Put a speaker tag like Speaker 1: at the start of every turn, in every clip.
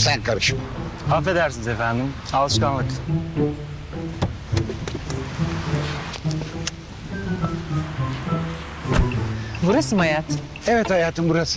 Speaker 1: Sen karışma.
Speaker 2: Affedersiniz efendim. Alışkanlık.
Speaker 3: Burası mı hayat?
Speaker 1: Evet hayatım, burası.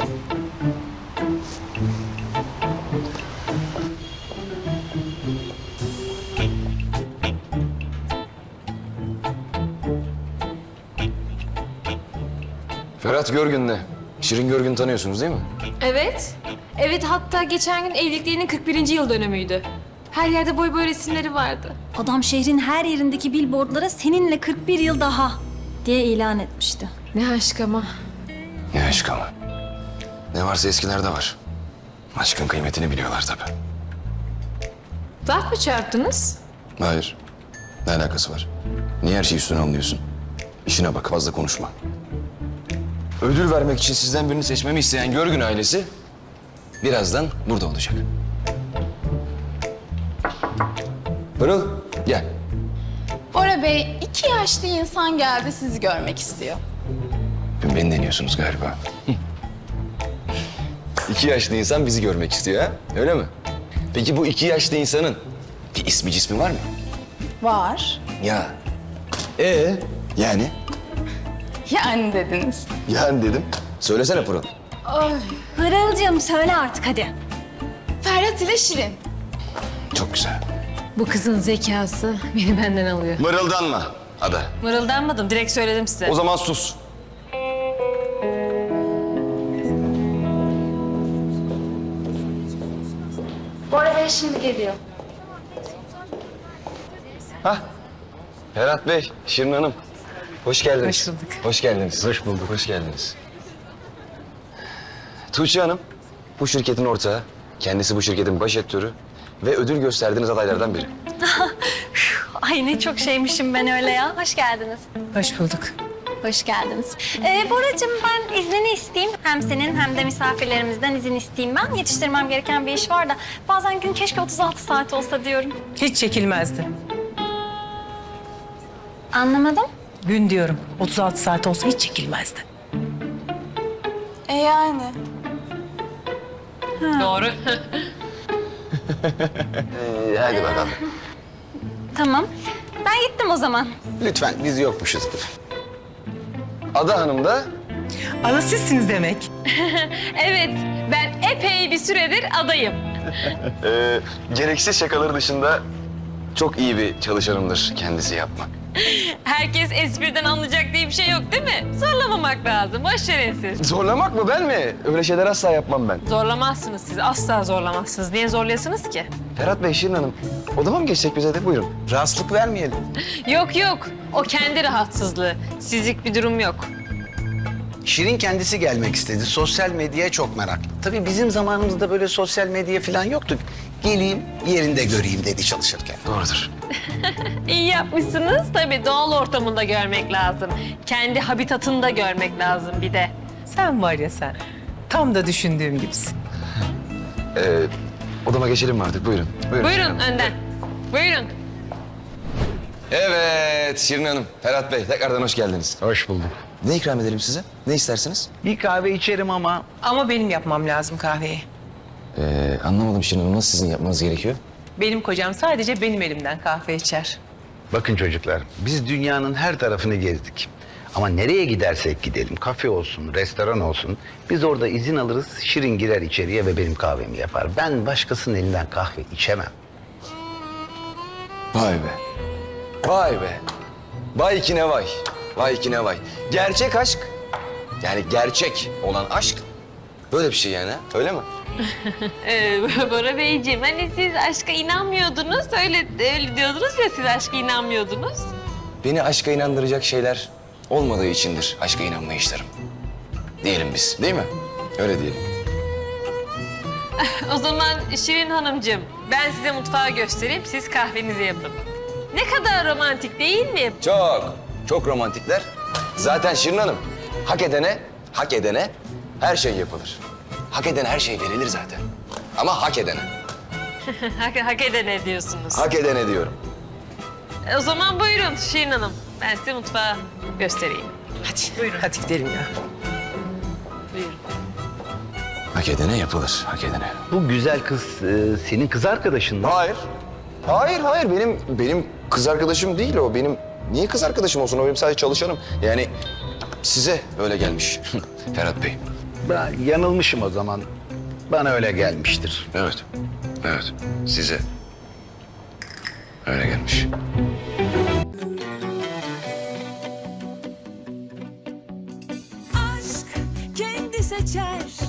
Speaker 4: Ferhat Görgün'le Şirin Görgün'ü tanıyorsunuz değil mi?
Speaker 5: Evet. Evet, hatta geçen gün evliliklerinin 41. yıl dönümüydü. Her yerde boy boy resimleri vardı.
Speaker 6: Adam şehrin her yerindeki billboardlara seninle 41 yıl daha diye ilan etmişti.
Speaker 5: Ne aşk ama.
Speaker 4: Ne aşk ama. Ne varsa eskilerde var. Aşkın kıymetini biliyorlar tabii.
Speaker 5: Laf mı çarptınız?
Speaker 4: Hayır. Ne alakası var? Niye her şeyi üstüne alıyorsun? İşine bak, fazla konuşma. Ödül vermek için sizden birini seçmemi isteyen Görgün ailesi birazdan burada olacak. Pırıl, gel.
Speaker 7: Bora Bey, 2 yaşlı insan geldi sizi görmek istiyor.
Speaker 4: Beni deniyorsunuz galiba. 2 yaşlı insan bizi görmek istiyor ha? Öyle mi? Peki bu 2 yaşlı insanın bir ismi cismi var mı?
Speaker 7: Var.
Speaker 4: Ya. Yani?
Speaker 7: Yani dediniz.
Speaker 4: Yani dedim. Söylesene Pırıl.
Speaker 6: Pırıl'cığım söyle artık hadi.
Speaker 7: Ferhat ile Şirin.
Speaker 4: Çok güzel.
Speaker 5: Bu kızın zekası beni benden alıyor.
Speaker 4: Mırıldanma Ada.
Speaker 5: Mırıldanmadım, direkt söyledim size.
Speaker 4: O zaman sus.
Speaker 6: Bora Bey şimdi geliyor.
Speaker 4: Ferhat Bey, Şirin Hanım. Hoş geldiniz.
Speaker 3: Hoş bulduk.
Speaker 4: Hoş geldiniz. Hoş bulduk. Hoş geldiniz. Tuğçe Hanım, bu şirketin ortağı. Kendisi bu şirketin baş etörü ve ödül gösterdiğiniz adaylardan biri.
Speaker 6: Ay ne çok şeymişim ben öyle ya. Hoş geldiniz.
Speaker 3: Hoş bulduk.
Speaker 6: Hoş geldiniz. Boracığım ben iznini isteyeyim. Hem senin hem de misafirlerimizden izin isteyeyim ben. Yetiştirmem gereken bir iş var da bazen gün keşke 36 saat olsa diyorum.
Speaker 3: Hiç çekilmezdi.
Speaker 6: Anlamadım.
Speaker 3: Gün diyorum. 36 saat olsa hiç çekilmezdi.
Speaker 7: Yani.
Speaker 5: Doğru.
Speaker 4: Hadi bakalım.
Speaker 6: Tamam. Ben gittim o zaman.
Speaker 1: Lütfen, biz yokmuşuzdur.
Speaker 4: Ada Hanım da
Speaker 3: Ada sizsiniz demek.
Speaker 5: Evet, ben epey bir süredir adayım.
Speaker 4: gereksiz şakaları dışında çok iyi bir çalışanımdır kendisi yapmak.
Speaker 5: Herkes espriden anlayacak diye bir şey yok değil mi? Zorlamamak lazım, boş verin siz.
Speaker 4: Zorlamak mı, ben mi? Öyle şeyler asla yapmam ben.
Speaker 5: Zorlamazsınız siz, asla zorlamazsınız. Niye zorlayasınız ki?
Speaker 4: Ferhat Bey, Şirin Hanım, odama mı geçsek bize de? Buyurun.
Speaker 1: Rahatsızlık vermeyelim.
Speaker 5: Yok yok, o kendi rahatsızlığı. Sizlik bir durum yok.
Speaker 1: Şirin kendisi gelmek istedi. Sosyal medyaya çok meraklı. Tabii bizim zamanımızda böyle sosyal medya falan yoktu. Geleyim, yerinde göreyim dedi çalışırken.
Speaker 4: Doğrudur.
Speaker 5: İyi yapmışsınız. Tabii doğal ortamında görmek lazım. Kendi habitatında görmek lazım bir de.
Speaker 3: Sen var ya sen. Tam da düşündüğüm gibisin.
Speaker 4: Odama geçelim mi artık? Buyurun. Şirin
Speaker 5: Buyurun
Speaker 4: Hanım.
Speaker 5: önden. Buyurun.
Speaker 4: Evet, Şirin Hanım, Ferhat Bey, tekrardan hoş geldiniz.
Speaker 1: Hoş bulduk.
Speaker 4: Ne ikram edelim size? Ne istersiniz?
Speaker 1: Bir kahve içerim ama
Speaker 3: Ama benim yapmam lazım kahveyi.
Speaker 4: Anlamadım Şirin Hanım, nasıl sizin yapmanız gerekiyor?
Speaker 3: Benim kocam sadece benim elimden kahve içer.
Speaker 1: bakın çocuklar, biz dünyanın her tarafını gezdik. Ama nereye gidersek gidelim, kafe olsun, restoran olsun, biz orada izin alırız, Şirin girer içeriye ve benim kahvemi yapar. Ben başkasının elinden kahve içemem.
Speaker 4: Vay be. Vay be. Vay ki ne vay. Vay ki ne vay. Gerçek aşk, yani gerçek olan aşk böyle bir şey yani, ha? Öyle mi?
Speaker 5: Bora Beyciğim, hani siz aşka inanmıyordunuz. Öyle diyordunuz ya, siz aşka inanmıyordunuz.
Speaker 4: Beni aşka inandıracak şeyler olmadığı içindir aşka inanmayışlarım. Diyelim biz, değil mi? Öyle diyelim.
Speaker 5: O zaman Şirin Hanımcığım, ben size mutfağı göstereyim, siz kahvenizi yapın. Ne kadar romantik değil mi?
Speaker 4: Çok romantikler. Zaten Şirin Hanım, hak edene her şey yapılır. Hak edene her şey verilir zaten. Ama hak edene.
Speaker 5: Hak edene diyorsunuz.
Speaker 4: Hak edene diyorum.
Speaker 5: O zaman buyurun Şirin Hanım, ben size mutfağı göstereyim.
Speaker 3: Hadi buyurun. Hadi gidelim ya.
Speaker 5: Buyurun.
Speaker 4: Hak Hak edene yapılır, hak edene.
Speaker 1: Bu güzel kız senin kız arkadaşın mı?
Speaker 4: Hayır. Hayır. Benim kız arkadaşım değil o. Niye kız arkadaşım olsun? O benim sadece çalışanım. Yani size öyle gelmiş Ferhat Bey.
Speaker 1: Ben yanılmışım o zaman. Bana öyle gelmiştir.
Speaker 4: Evet. Size öyle gelmiş.
Speaker 8: aşk kendi seçer